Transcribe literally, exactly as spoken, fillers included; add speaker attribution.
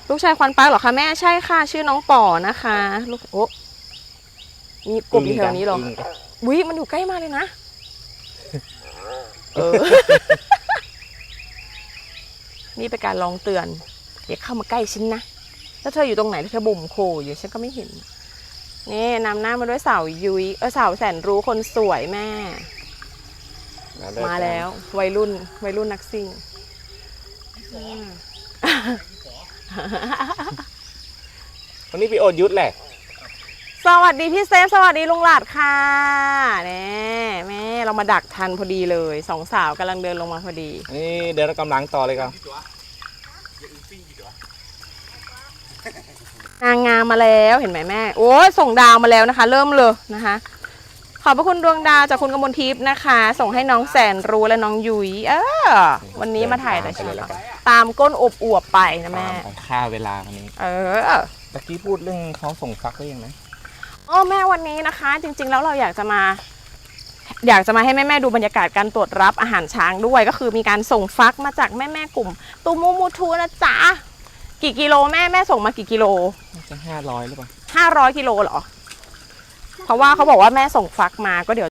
Speaker 1: ลูกชายควันปาร์คเหรอคะแม่ใช่ค่ะชื่อน้องป๋อนะคะลูกโอ้มีกบอยู่แถวนี้เหรอวิมันอยู่ใกล้มากเลยนะเออ นี่เป็นการลองเตือนอย่าเข้ามาใกล้ฉันนะแล้วเธออยู่ตรงไหนเธอบ่มโคอยู่ฉันก็ไม่เห็นนี่นำหน้ามาด้วยสาวยุ้ยเออสาวแสนรู้คนสวยแม่มาแล้ววัยรุ่นวัยรุ่นนักซิ่ง
Speaker 2: วันนี้พี่โอดยุทธแหละ
Speaker 1: สวัสดีพี่เซฟสวัสดีลุงหลาดค่ะนี่แม่เรามาดักทันพอดีเลยสองสาวกำลังเดินลงมาพอดี
Speaker 2: นี่เดินกำลังต่อเลยครับ
Speaker 1: นางงามมาแล้วเห็นไหมแม่โอ้ยส่งดาวมาแล้วนะคะ เริ่มเลยนะคะขอบพระคุณดวงดาวจากคุณกมลทิพย์นะคะ ส่งให้น้องแสนรู้และน้องยุ้ยเออวันนี้มาถ่ายแต่เช้าตามก้นอบอวบไปนะแม่
Speaker 2: ค่าเวลาวันนี้
Speaker 1: เออ
Speaker 2: ตะกี้พูดเรื่องเขาส่งฟักได้ยังไง
Speaker 1: อ๋อแม่วันนี้นะคะ จริงๆแล้วเราอยากจะมา อยากจะมาให้แม่ๆดูบรรยากาศการตรวจรับอาหารช้างด้วยก็คือมีการส่งฟักมาจากแม่ๆกลุ่มตูมูมูทูนะจ๊ะกี่กิโลแม่แม่ส่งมากี่กิโล
Speaker 2: จะห้าร้อยหรือเปล่า
Speaker 1: ห้าร้อยกิโลเหรอเพราะว่าเขาบอกว่าแม่ส่งฟักมาก็เดี๋ยว